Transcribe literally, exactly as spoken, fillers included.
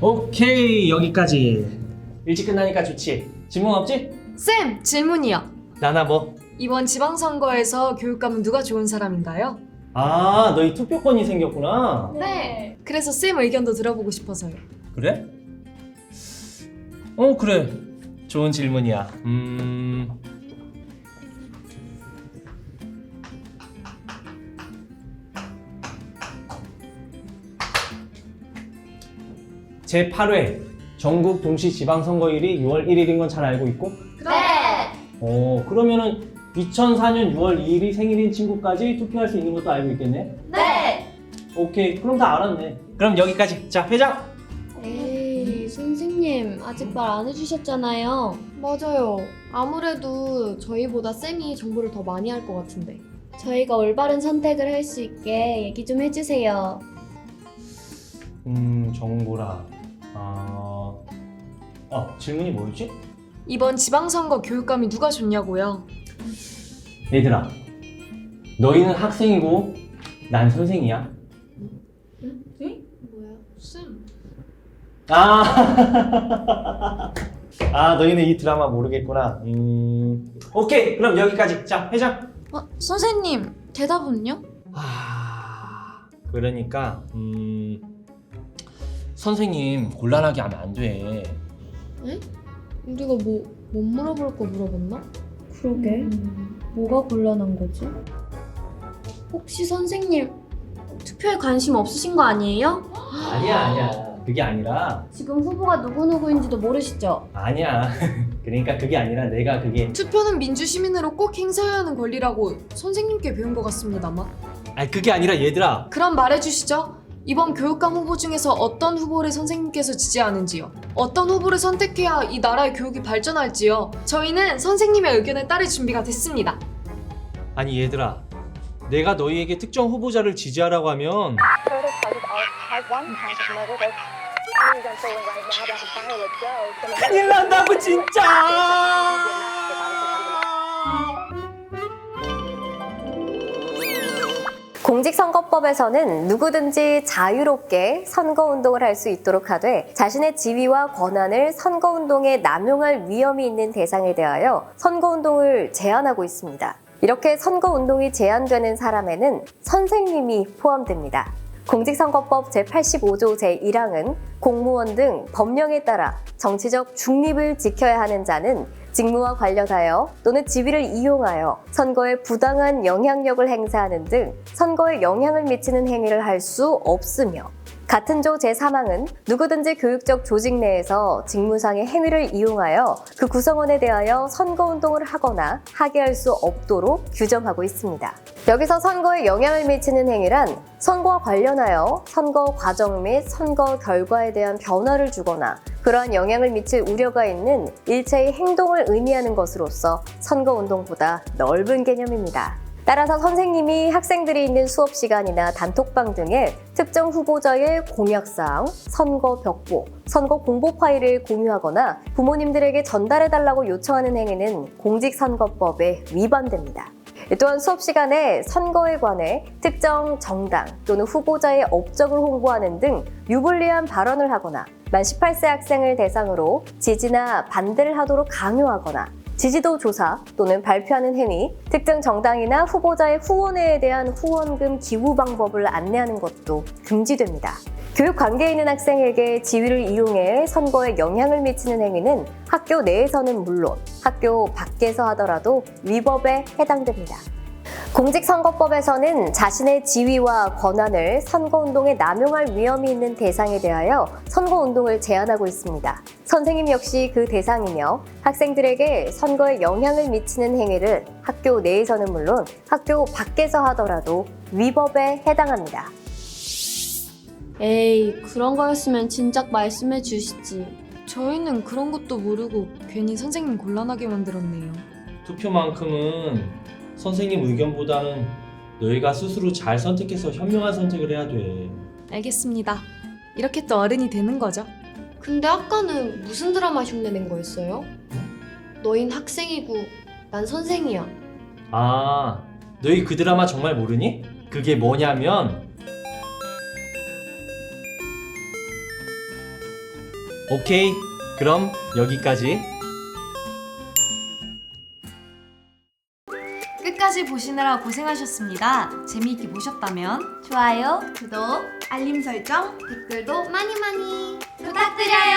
오케이, 여기까지. 일찍 끝나니까 좋지. 질문 없지? 쌤, 질문이요. 나나 뭐? 이번 지방선거에서 교육감은 누가 좋은 사람인가요? 아, 너희 투표권이 생겼구나. 네. 그래서 쌤 의견도 들어보고 싶어서요. 그래? 어, 그래. 좋은 질문이야. 음... 제팔 회 전국 동시 지방선거일이 유월 일일인 건 잘 알고 있고? 네. 어, 그러면은 이천사 년 유월 이일이 생일인 친구까지 투표할 수 있는 것도 알고 있겠네? 네. 오케이, 그럼 다 알았네. 그럼 여기까지. 자, 회장! 에이, 선생님 아직 말 안 해주셨잖아요. 맞아요. 아무래도 저희보다 쌤이 정보를 더 많이 할 것 같은데. 저희가 올바른 선택을 할 수 있게 얘기 좀 해주세요. 음, 정보라. 아... 어, 질문이 뭐였지? 이번 지방선거 교육감이 누가 좋냐고요? 얘들아, 너희는 학생이고 난 선생이야. 뭐야? 쌤. 아, 아 너희는 이 드라마 모르겠구나. 음, 오케이, 그럼 여기까지. 자, 회장. 어, 선생님, 대답은요? 아, 그러니까 음, 선생님 곤란하게 하면 안 돼. 우리가 뭐, 못 물어볼 거 물어봤나? 그러게. 뭐가 곤란한 거지? 혹시 선생님 투표에 관심 없으신 거 아니에요? 아니야, 아니야. 그게 아니라. 지금 후보가 누구누구인지도 모르시죠? 아니야. 그러니까 그게 아니라 내가 그게. 투표는 민주시민으로 꼭 행사해야 하는 권리라고 선생님께 배운 것 같습니다만. 아니, 그게 아니라 얘들아. 그럼 말해주시죠. 이번 교육감 후보 중에서 어떤 후보를 선생님께서 지지하는지요? 어떤 후보를 선택해야 이 나라의 교육이 발전할지요? 저희는 선생님의 의견에 따를 준비가 됐습니다. 아니 얘들아, 내가 너희에게 특정 후보자를 지지하라고 하면 큰일 난다고 진짜. 공직선거법에서는 누구든지 자유롭게 선거운동을 할 수 있도록 하되 자신의 지위와 권한을 선거운동에 남용할 위험이 있는 대상에 대하여 선거운동을 제한하고 있습니다. 이렇게 선거운동이 제한되는 사람에는 선생님이 포함됩니다. 공직선거법 제팔십오조 제일 항은 공무원 등 법령에 따라 정치적 중립을 지켜야 하는 자는 직무와 관련하여 또는 지위를 이용하여 선거에 부당한 영향력을 행사하는 등 선거에 영향을 미치는 행위를 할 수 없으며, 같은 조 제삼 항은 누구든지 교육적 조직 내에서 직무상의 행위를 이용하여 그 구성원에 대하여 선거운동을 하거나 하게 할 수 없도록 규정하고 있습니다. 여기서 선거에 영향을 미치는 행위란 선거와 관련하여 선거 과정 및 선거 결과에 대한 변화를 주거나 그러한 영향을 미칠 우려가 있는 일체의 행동을 의미하는 것으로서 선거운동보다 넓은 개념입니다. 따라서 선생님이 학생들이 있는 수업 시간이나 단톡방 등에 특정 후보자의 공약사항, 선거 벽보, 선거 공보 파일을 공유하거나 부모님들에게 전달해달라고 요청하는 행위는 공직선거법에 위반됩니다. 또한 수업 시간에 선거에 관해 특정 정당 또는 후보자의 업적을 홍보하는 등 유불리한 발언을 하거나 만 십팔 세 학생을 대상으로 지지나 반대를 하도록 강요하거나 지지도 조사 또는 발표하는 행위, 특정 정당이나 후보자의 후원회에 대한 후원금 기부 방법을 안내하는 것도 금지됩니다. 교육 관계에 있는 학생에게 지위를 이용해 선거에 영향을 미치는 행위는 학교 내에서는 물론 학교 밖에서 하더라도 위법에 해당됩니다. 공직선거법에서는 자신의 지위와 권한을 선거운동에 남용할 위험이 있는 대상에 대하여 선거운동을 제한하고 있습니다. 선생님 역시 그 대상이며 학생들에게 선거에 영향을 미치는 행위를 학교 내에서는 물론 학교 밖에서 하더라도 위법에 해당합니다. 에이, 그런 거였으면 진작 말씀해 주시지. 저희는 그런 것도 모르고 괜히 선생님 곤란하게 만들었네요. 투표만큼은 선생님 의견보다는 너희가 스스로 잘 선택해서 현명한 선택을 해야 돼. 알겠습니다. 이렇게 또 어른이 되는 거죠. 근데 아까는 무슨 드라마 흉내 낸 거였어요? 너흰 학생이고 난 선생이야. 아, 너희 그 드라마 정말 모르니? 그게 뭐냐면 오케이, 그럼 여기까지. 끝까지 보시느라 고생하셨습니다. 재미있게 보셨다면 좋아요, 구독, 알림 설정, 댓글도 많이 많이 부탁드려요.